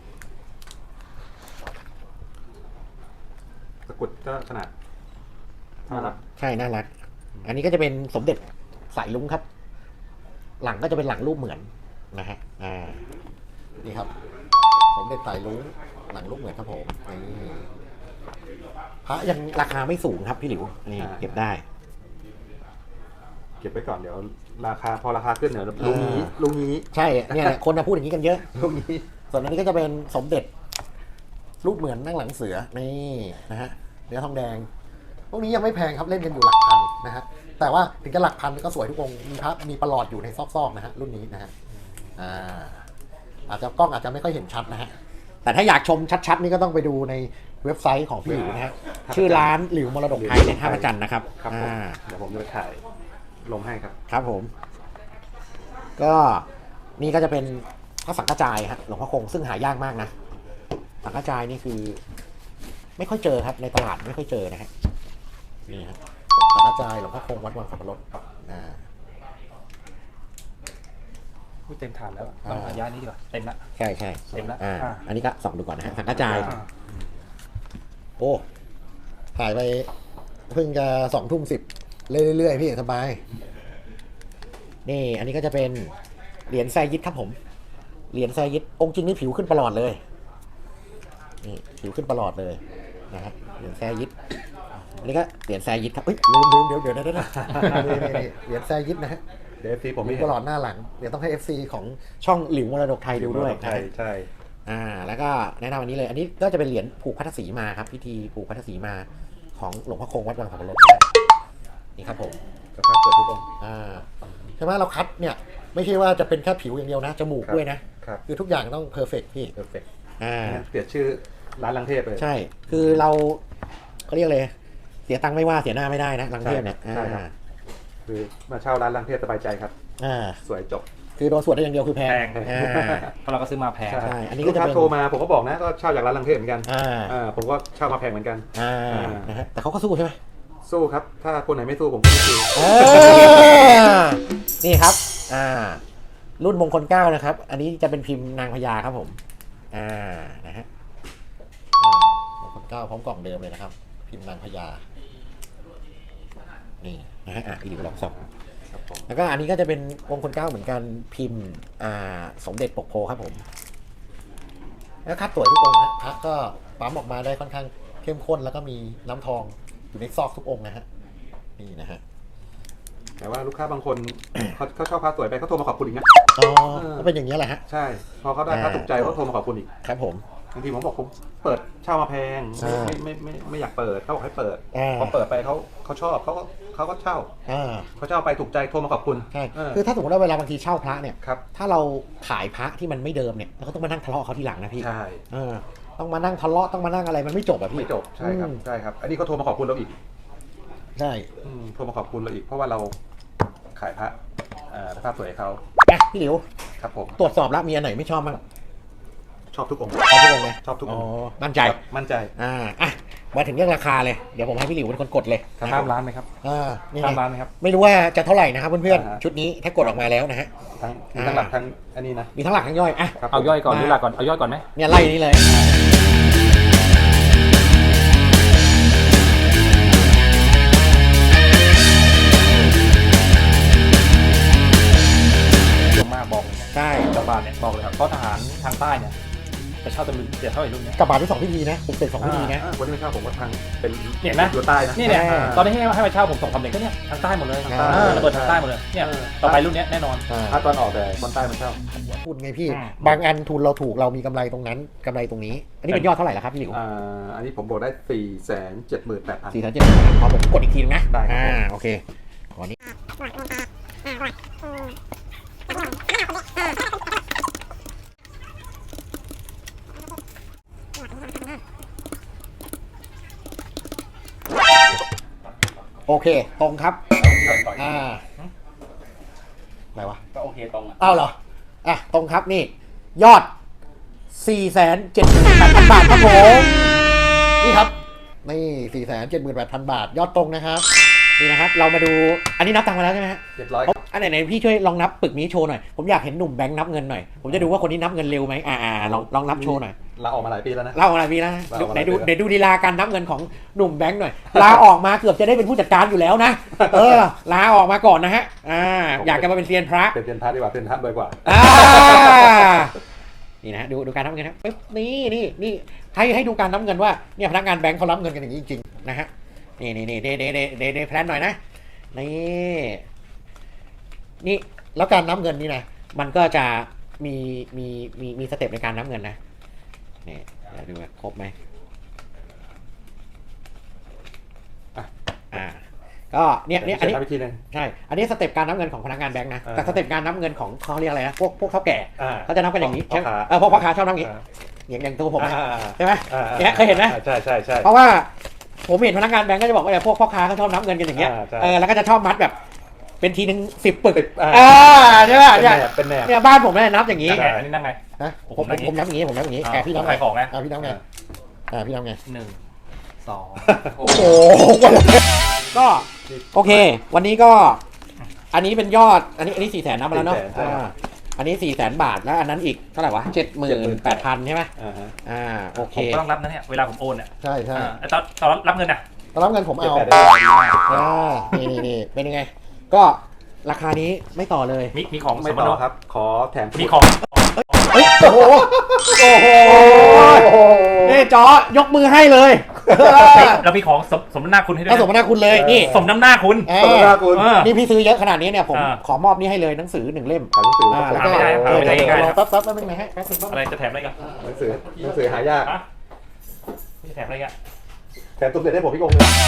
Speaker 1: ตะกรุดก็ขนาดเท่า
Speaker 2: น่ารั
Speaker 1: รั
Speaker 2: ก
Speaker 1: ก
Speaker 3: ใช่ น่ารัก อันนี้ก็จะเป็นสมเด็จสายลุงครับ หลังก็จะเป็นหลังรูปเหมือนนะฮะ อ่า นี่ครับ สมเด็จสายลุงหลังรูปเหมือนครับผมนี่พระยังราคาไม่สูงครับพี่หลิว นี่เก็บได้
Speaker 1: เก็บไปก่อนเดี๋ยวราคาพอราคาขึ้นเดี๋ยวลุงนี้ลุงนี้
Speaker 3: ใช่ เนี่ยแหละคนจะพูดอย่างนี้กันเยอะ
Speaker 1: ลุงนี้
Speaker 3: ส่วนอันนี้ก็จะเป็นสมเด็จ รูปเหมือนนั่งหลังเสือ นี่นะฮะ เนื้อทองแดง
Speaker 4: พวกนี้ยังไม่แพงครับเล่นกันอยู่หลักพันนะฮะ แต่ว่าถึงจะหลักพันก็สวยทุกองค์มีพระมีประหลอดอยู่ในซอกๆนะฮะรุ่นนี้นะฮะ อ่า อาจจะกล้องอาจจะไม่ค่อยเห็นชัดนะฮะ
Speaker 3: แต่ถ้าอยากชมชัดๆ นี่ก็ต้องไปดูในเว็บไซต์ของพี่หลิวนะฮะ ชื่อร้านหลิวมรดกไทยในท่าพระจันทร์นะครับ
Speaker 1: ครับผม
Speaker 3: อ่า
Speaker 1: เดี๋ยวผมจะไปถ่ายลงให้ครับ
Speaker 3: ครับผม ก็นี่ก็จะเป็นพระสังฆจายฮะหลวงพ่อคงซึ่งหายากมากนะ สังฆจายนี่คือ ไม่ค่อยเจอครับในตลาดไม่ค่อยเจอนะฮะนี่ครับสังฆจายหลวงพ่อคงวัดวังสับปะรดอ่า
Speaker 2: พูดเต็มฐานแล้ว
Speaker 3: อ่า
Speaker 2: ต้องระยะนี้ดีกว่าเต็มละ
Speaker 3: ใช่ใช่
Speaker 2: เต็มแล้ว
Speaker 3: อ่า
Speaker 2: อ่า
Speaker 3: อันนี้ก็ส่องดูก่อนนะฮะสังฆจาย
Speaker 2: อ่า
Speaker 3: โอ้
Speaker 4: ถ่ายไปเพิ่งจะสองทุ่มสิบเรื่อยๆพี่สบาย
Speaker 3: นี่ อันนี้ก็จะเป็นเหรียญแซยิดครับผม เหรียญแซยิดองค์จริงนี่ผิวขึ้นประหลอดเลย นี่ผิวขึ้นประหลอดเลยนะฮะเหรียญแซยิดอันนี้ก็เหรียญแซยิดครับเอ้ยลืมลืมเดี๋ยวเดี๋ยวเดี๋ยวเดี๋ยว
Speaker 4: นี่นี่นี่เหรียญแซยิดนะฮะ
Speaker 1: เดี๋ยวซีผม
Speaker 4: มี
Speaker 1: ไม่
Speaker 4: ประหลอดหน้าหลัง เดี๋ยวต้องให้ เอฟ ซี ของ
Speaker 3: ช่องหลิวมรดกไทยดูด้วยนะ
Speaker 1: ใช่
Speaker 3: ฮะ
Speaker 1: ใช่
Speaker 3: อ่า แล้วก็แนะนำอันนี้เลย อันนี้ก็จะเป็นเหรียญผูกพัทธสีมาครับ พิธีผูกพัทธสีมาของหลวงพ่อคงวัดวังสับปะรดนะนี่ครับผม
Speaker 1: สภาพเกิดทุกองค์
Speaker 3: อ่า
Speaker 4: ใช่ไหมเราคัดเนี่ย ไม่ใช่ว่าจะเป็นแค่ผิวอย่างเดียวนะ จมูก
Speaker 1: ครับ
Speaker 4: ด้วยนะ
Speaker 1: ครับ
Speaker 4: คือทุกอย่างต้องเพอร์เฟกพี่
Speaker 1: เพอร์เฟกต์
Speaker 3: อ่า
Speaker 1: เปลี่ยนชื่อร้านลังเทพเลย
Speaker 3: ใช่ คือเราเขาเรียกเลย เสียตังค์ไม่ว่าเสียหน้าไม่ได้นะลังเทพเนี่ย
Speaker 1: ใช่ครับ
Speaker 3: อ่า
Speaker 1: คือมาเช่าร้านลังเทพสบายใจครับ
Speaker 3: อ่า
Speaker 1: สวยจบ
Speaker 3: คือโดนสวดได้อย่างเดียวคือแพง
Speaker 2: แพง
Speaker 3: อ่า
Speaker 2: เพราะเราก็ซื้อมาแพง
Speaker 3: ใช่อันนี้
Speaker 1: ลู
Speaker 3: ก็
Speaker 1: ก
Speaker 3: จะ
Speaker 1: ค้า
Speaker 3: เป็น
Speaker 1: โทรมาผมก็บอกนะก็เช่าจากร้านลังเทพเหมือนกัน
Speaker 3: อ่า
Speaker 1: อ่าผมก็เช่ามาแพงเหมือนกัน
Speaker 3: อ่า
Speaker 1: อ่า
Speaker 3: นะฮะแต่เขาก็สู้ใช่ไหม
Speaker 1: สู้ครับ ถ้าคนไหนไม่สู้ผมก็ไม่สู้
Speaker 3: เออนี่ครับ อ่า รุ่นมงคลเก้านะครับ อันนี้จะเป็นพิมพ์นางพญาครับผม อ่า นะฮะอ่ามงคลเก้าพร้อมกล่องเดิมเลยนะครับ พิมพ์นางพญา นี่นะฮะ อ่ะอีกลองส่อง
Speaker 1: ครับผม
Speaker 3: แล้วก็อันนี้ก็จะเป็นมงคลเก้าเหมือนกันพิมพ์ อ่า สมเด็จปกโพครับผม
Speaker 4: แล้วคัดสวยทุกองค์นะพระก็ปั๊มออกมาได้ค่อนข้างเข้มข้นแล้วก็มีน้ำทองอยู่ในซอกทุกองค์นะฮะ
Speaker 3: นี่นะฮะ
Speaker 1: แต่ว่าลูกค้าบางคน เขาเขาเช่าพระสวยไปเขาโทรมาขอบคุณอีกนะ
Speaker 3: อ๋อก็เป็นอย่างนี้ยแหละฮะ
Speaker 1: ใช่ พอเขาได้พระถูกใจเขาโทรมาขอบคุณอีก
Speaker 3: ครับผม
Speaker 1: บางทีผมบอกผมเปิดเช่ามาแพง
Speaker 3: อ่า
Speaker 1: ไม่ไม่ไม่ไม่ไม่อยากเปิดเขาบอกให้เปิด
Speaker 3: อ่า
Speaker 1: พอเปิดไปเขาเขาชอบเขาก็เขาก็เช่า
Speaker 3: อ่า
Speaker 1: เขาเช่าไปถูกใจโทรมาขอบคุณ
Speaker 3: ใช่
Speaker 1: เออ
Speaker 3: คือถ้าสมมติว่าเวลาบางทีเช่าพระเนี่ย
Speaker 1: ครับ
Speaker 3: ถ้าเราขายพระที่มันไม่เดิมเนี่ยเราก็ต้องมานั่งทะเลาะเขาทีหลังนะพี่
Speaker 1: ใช่
Speaker 3: เออต้องมานั่งทะเลาะต้องมานั่งอะไรมันไม่จบอะพี่
Speaker 1: ไม่จบใช่ครับ
Speaker 3: อืม
Speaker 1: ใช่ครับ อันนี้เขาโทรมาขอบคุณเราอีก
Speaker 3: ใช่
Speaker 1: อืมโทรมาขอบคุณเราอีก เพราะว่าเราขายพระเอ่อสภาพสวยให้เขา
Speaker 3: อ่ะพี่หลิว
Speaker 1: ครับผม
Speaker 3: ตรวจสอบแล้วมีอันไหนไม่ชอบบ้าง
Speaker 1: ชอบทุกองค์
Speaker 3: ชอบทุกองค์ไหม
Speaker 1: ชอบทุก
Speaker 3: อ๋
Speaker 1: อ
Speaker 3: อง
Speaker 1: ค์
Speaker 3: มั่นใจ
Speaker 1: ครับมั่นใจ
Speaker 3: อ่าอ่ะมาถึงเรื่องราคาเลยเดี๋ยวผมให้พี่หลิวเป็นคนกดเลย
Speaker 2: ข้ามร้านไหมครับ
Speaker 3: อ่านี่
Speaker 2: ข้าม
Speaker 3: ไง
Speaker 2: ร้านไหมครับ
Speaker 3: ไม่รู้ว่าจะเท่าไหร่นะครับเพื่อน
Speaker 1: อ่าฮะ
Speaker 3: ๆชุดนี้ถ้ากดออกมาแล้วนะฮะ
Speaker 1: ทั้งมีทั้งหลักทั้งอันนี้นะ
Speaker 3: มีทั้งหลักทั้งย่อยอ่ะ
Speaker 1: ครับ
Speaker 2: เอาย่อยก่อน
Speaker 3: มา
Speaker 2: หรือหลักก่อนเอาย่อยก่อนไหม
Speaker 3: เนี่ยไล่นี้เลย
Speaker 2: เยอะมากบอกเลยนะ
Speaker 3: ใช่
Speaker 2: กระบาดเนี่ยบอกเลยครับเพราะทหารทางใต้เนี่ยจะเช่าตำลึงจะเท่าไหร่รุ่นเนี้ย
Speaker 3: กับบาทที่สองพิธีนะผมเป็นสองพิธีนะ
Speaker 1: อ่าวันนี้ไม่เข้าผมก็ทางเป็น
Speaker 2: เนี่ยนะ
Speaker 1: อยู่ใต้นะ
Speaker 2: นี่เนี่ย
Speaker 3: อ่า
Speaker 2: ตอนนี้ให้ให้มาเช่าผมส่งคำเด็กก็เนี่ยทางใต้หมดเลย
Speaker 3: อ่า
Speaker 2: เออระเบิดทางใต้หมดเลยเนี่ย
Speaker 1: เออ
Speaker 2: ต่อไปรุ่นเนี้ยแน่นอน
Speaker 3: อ่า
Speaker 1: ถ้าตอนออกแต่ตอนใต้มันเข้า
Speaker 3: พูดไงพี่
Speaker 2: อืม
Speaker 3: บางอันทุนเราถูกเรามีกำไรตรงนั้นกำไรตรงนี้ อันนี้เป็นยอดเท่าไหร่ล่ะครับพี่หลิว
Speaker 1: อ่าอันนี้ผมบอกได้สี่แสนเจ็ดหมื่นแปดพัน
Speaker 3: สี่แสนเจ็ดขอผมกดอีกทีนึงนะ
Speaker 1: ได้ครับ
Speaker 3: อ่าโอเคขอนี้ โอเค ตรงครับ อ่าอะไรวะ
Speaker 2: ก็โอเคตรงอ่ะ
Speaker 3: อ้าวเหรอ อ่ะ ตรงครับนี่ ยอด สี่แสนเจ็ดหมื่นแปดพัน บาทครับผม นี่ครับ นี่ สี่แสนเจ็ดหมื่นแปดพัน บาท ยอดตรงนะครับ นี่นะครับ เรามาดู อันนี้นับตังค์มาแล้วใช่ไหมฮะ
Speaker 1: เรียบร้อย
Speaker 3: อันไหนๆพี่ช่วยลองนับปึกนี้โชว์หน่อย ผมอยากเห็นหนุ่มแบงค์นับเงินหน่อย ผมจะดูว่าคนนี้นับเงินเร็วไหมอ่าๆลองลองนับโชว์หน่อย
Speaker 1: ลาออกมาหลายปีแล้วนะ
Speaker 3: เล่าอะไรพี่นะ
Speaker 1: เล่าอะไร
Speaker 3: ไหนดู
Speaker 1: พี่นะ
Speaker 3: ไหนดูดีลาการนับเงินของหนุ่มแบงค์หน่อย ลาออกมาเกือบจะได้เป็นผู้จัดการอยู่แล้วนะ เออ ลาออกมาก่อนนะฮะ อ่า อยากจะมาเป็นเซียนพระ
Speaker 1: เป็นเป็นพระดีกว่าเป็นพระบ่อยกว่า
Speaker 3: อ่า นี่นะฮะดูดูการนับเงินนะปึ๊บนี่นี่นี่ให้ให้ดูการนับเงินว่าเนี่ยพนักงานแบงค์เขารับเงินกันอย่างนี้จริงๆนะฮะ นี่นี่นี่เดเดเดเดเดแพลนหน่อยนะ นี่ นี่ แล้วการนับเงินนี่นะ มันก็จะมีมีมีมีสเต็ปในการนับเงินนะ นี่เดี๋ยวดูว่าครบไหม
Speaker 1: อ่ะ
Speaker 3: อ่า ก็เนี่ยเนี่ยอันนี้
Speaker 1: ทำวิธีหนึง
Speaker 3: ใช่ อันนี้สเต็ปการนับเงินของพนักงานแบงค์นะ
Speaker 1: อ่า
Speaker 3: แต่สเต็ปการนับเงินของเขาเรียกอะไรนะ พวกพวกเท่าแก่
Speaker 1: อ่า
Speaker 3: เขาจะนับกันอย่างนี้
Speaker 1: พ่อ
Speaker 3: ใช่ไหม
Speaker 1: ค้า
Speaker 3: เออพวกพ่อค้าชอบนับอย่างนี้
Speaker 1: อ่า
Speaker 3: อย่างอย่างตัวผมนะ
Speaker 1: อ่า
Speaker 3: ใช่ไหม
Speaker 1: อ่า
Speaker 3: เนี่ยเคยเห็นไหม
Speaker 1: ใช่ใช่ใช่
Speaker 3: เพราะว่าผมเห็นพนักงานแบงก์ก็จะบอกว่าเนี่ยพวกพ่อค้าเขาชอบนับเงินกันอย่างเงี้ย
Speaker 1: อ่าใช่
Speaker 3: เออ แล้วก็จะชอบมัดแบบ เป็นทีหนึ่งสิบปึก
Speaker 1: สิบอ่า
Speaker 3: อ่าใช่ไหม
Speaker 1: เป็น
Speaker 3: เนี่ย
Speaker 1: แนบเป็นแนบ
Speaker 3: เนี่ยบ้านผมเนี่ยนับอย่างนี้
Speaker 2: นั่งไงอันนี้นั่งไง
Speaker 3: นะ
Speaker 2: ผม
Speaker 3: ผม
Speaker 2: นับอย่างนี้
Speaker 3: ผมนับอย่างนี้ผมนับอย่างนี้
Speaker 2: อ่า
Speaker 3: แกพี่นับ
Speaker 2: ขายของนะ
Speaker 3: อ่าพี่นับไงอ่าพี่นับไง
Speaker 2: หนึ่งสอง
Speaker 3: โอ้โหก็โอเค วันนี้ก็ อันนี้เป็นยอด อันนี้อันนี้สี่แสนนับมาแล้วเนาะ
Speaker 1: สี่แสนใช่
Speaker 3: อ่าอันนี้สี่แสนบาทแล้วอันนั้นอีกเท่าไหร่วะเจ็ดหมื่นแปดพันใช่ไหม
Speaker 1: อ่าฮะ
Speaker 3: อ่าโอเค
Speaker 2: ผมก็ต้องรับนะเนี่ยเวลาผมโอนเนี่ย
Speaker 3: ใช่ใช่
Speaker 2: อ่าตอนตอนรับเงินน่ะ
Speaker 3: ตอนรับเงินผมเอา
Speaker 1: เจ็ดแปดเดือน
Speaker 3: อ่านี่นี่นี่เป็นยังไง ก็ราคานี้ไม่ต่อเลย
Speaker 2: มีมีของ
Speaker 1: ไม่
Speaker 2: สม
Speaker 1: ต่
Speaker 2: โน
Speaker 1: อครับ ขอแถม
Speaker 2: มีของ
Speaker 3: เฮ้ยโอ้โห โอ้โหนี่จอยกมือให้เลย
Speaker 2: เรามีของสมสมน้ำหน้าคุณให้ด้วย
Speaker 3: ถ้าสม
Speaker 2: นะ
Speaker 3: นาคุณเลย นี่
Speaker 2: สมน้ำหน้าคุณ
Speaker 3: เอ
Speaker 1: ขอบคุณ
Speaker 3: อ
Speaker 1: มากคุณ
Speaker 2: เออ
Speaker 3: นี่พี่ซื้อเยอะขนาดนี้เนี่ยผม
Speaker 2: อ่า
Speaker 3: ขอมอบนี่ให้เลยหนังสือหนึ่งเล่ม
Speaker 1: หนังสือ
Speaker 3: อ่าแล้วก็
Speaker 2: หาไม่ได้หาไม่ได้
Speaker 3: เดี๋ยว
Speaker 2: ง่ายๆ
Speaker 3: รอแป๊บแป๊บแป๊บนึงนะฮะแป๊บนึงแป๊บ
Speaker 2: อะไร
Speaker 3: นึง
Speaker 2: จะแถมอะไรกัน
Speaker 1: หนังสือหนังสือหายาก
Speaker 2: ฮะไม่แถมอะไรกัน
Speaker 1: แถมตุ้มเด็ดให้ผมพี่องค์หนึง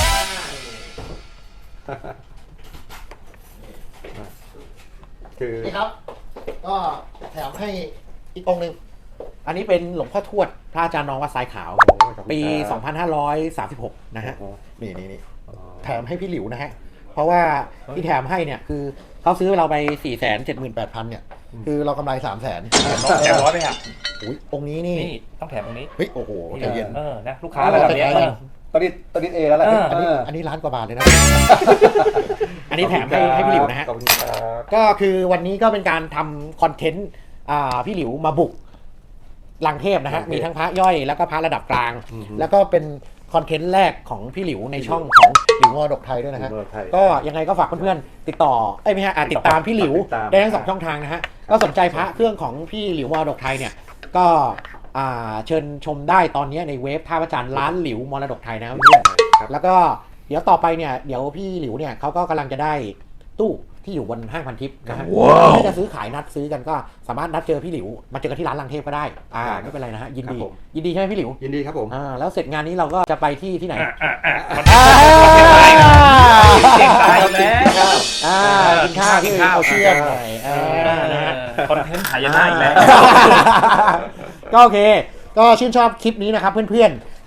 Speaker 1: คือ
Speaker 3: นี่ครับ ก็แถมให้อีกองค์หนึ่งอันนี้เป็นหลวงพ่อทวดพระอาจารย์น้องวัดทรายขาว ปี สองพันห้าร้อยสามสิบหก นะฮะ นี่นี่นี่แถมให้พี่หลิวนะฮะ เพราะว่าที่แถมให้เนี่ยคือเขาซื้อเราไป สี่แสนเจ็ดหมื่นแปดพัน เนี่ย คือเรากำไร สามแสน
Speaker 2: แถมร้อยไปอ่ะ
Speaker 3: อุ้ยองค์นี้นี่
Speaker 2: นี่ต้องแถมตรงนี้
Speaker 3: เฮ้ย โอ้โหใจเย็น
Speaker 2: เออนะลูกค้าระดับเนี้ย
Speaker 3: เออ
Speaker 1: ตอนนี้ตอนนี้เอแล้วแหละ
Speaker 2: เออ
Speaker 3: อันนี้
Speaker 1: เออ
Speaker 3: อันนี้ล้านกว่าบาทเลยนะ อันนี้แถมให้ให้พี่หลิวนะฮะ
Speaker 1: ขอบคุณครับ
Speaker 3: ก็คือวันนี้ก็เป็นการทำคอนเทนต์อ่าพี่หลิวมาบุกลังเทพนะฮะ มีทั้งพระย่อยแล้วก็พระระดับกลาง
Speaker 1: อือฮึ
Speaker 3: แล้วก็เป็นคอนเทนต์แรกของพี่หลิวในช่องของหลิวมรดกไทยด้วยนะฮะ
Speaker 1: หลิวมรดกไทย
Speaker 3: ก็ยังไงก็ฝากเพื่อนๆติดต่อเอ้ยไม่ใช่อ่ะติดตามพี่หลิว
Speaker 1: ติดตาม
Speaker 3: ได้ทั้งสองช่องทางนะฮะ ก็สนใจพระเครื่องของพี่หลิวมรดกไทยเนี่ย ก็อ่าเชิญชมได้ตอนนี้ในเว็บท่าพระจันทร์ร้านหลิวมรดกไทยนะครับเพื่อน
Speaker 1: ครับ
Speaker 3: แล้วก็เดี๋ยวต่อไปเนี่ยเดี๋ยวพี่หลิวเนี่ยเขาก็กำลังจะได้ตู้ที่อยู่บนห้างพันทิพย์นะฮะถ้าจะซื้อขายนัดซื้อกันก็สามารถนัดเจอพี่หลิวมาเจอกันที่ร้านลังเทพก็ได้อ่าไม่เป็นไรนะฮะยินดี
Speaker 1: ครับผม
Speaker 3: ยินดีใช่ไหมพี่หลิว
Speaker 1: ยินดีครับผม
Speaker 3: อ่าแล้วเสร็จงานนี้เราก็จะไปที่ที่ไหน
Speaker 2: อ่ะอ่ะอ่ะ
Speaker 3: อ่า
Speaker 2: เก่งตายแล้ว
Speaker 3: อ่ากินข้าวที่โอเชียนหน่อยอ่านะฮะ
Speaker 2: คอนเทนต์หายนะอีกแล้ว
Speaker 3: ก็โอเค ก็ชื่นชอบคลิปนี้นะครับเพื่อนๆ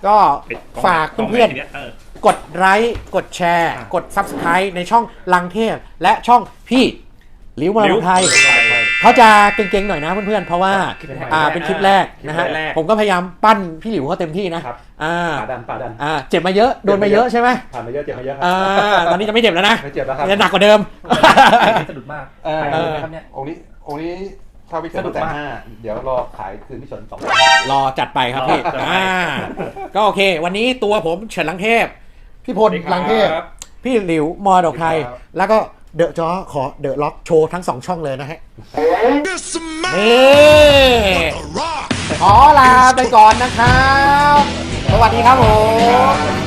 Speaker 3: ก็ฝาก
Speaker 2: กล้ง
Speaker 3: เพื่อน
Speaker 2: ไหเออ
Speaker 3: ๆกดไลค์กดแชร์
Speaker 2: อ่ะ
Speaker 3: กด Subscribe ในช่องลังเทพและช่องพี่หลิวมาลงไทย เขาจะเก่งๆหน่อยนะเพื่อนๆ เพราะว่า
Speaker 2: คลิปแรก
Speaker 3: อ่าเป็นคลิปแรกนะฮะ
Speaker 2: คลิปแรก
Speaker 3: ผมก็พยายามปั้นพี่หลิวเขาเต็มที่นะครับ อ่า
Speaker 1: ป่าดันป่าดัน
Speaker 3: อ่าเจ็บมาเยอะโดนมาเยอะใช่ไหม
Speaker 1: ผ่านมาเยอะเจ็บมาเยอะครั
Speaker 3: อ่าตอนนี้จะไม่เจ็บแล้วนะ
Speaker 1: ไม่เจ็บแล้วครับ
Speaker 3: จะหนักกว่าเดิม
Speaker 2: สะดุดมาก
Speaker 1: เออ
Speaker 2: ถ่ายรูปไหมครับเนี่ย
Speaker 1: องค์นี้องค์นี้ถ้าวิเศษ
Speaker 2: สนุก
Speaker 1: แต่
Speaker 2: มาก
Speaker 1: ห้าเดี๋ยวรอขายคืนพี่ชนสอง
Speaker 3: รอจัดไปครับพี่
Speaker 2: รอจัดไป
Speaker 3: อ่าก็โอเค วันนี้ตัวผมเฉินลังเทพ
Speaker 4: พี่พลลังเทพ
Speaker 3: พี่หลิวมอดอกไทย แล้วก็เดอะจอขอเดอะล็อกโชว์ทั้งสองช่องเลยนะฮะนี่ขอลาไปก่อนนะครับ สวัสดีครับผม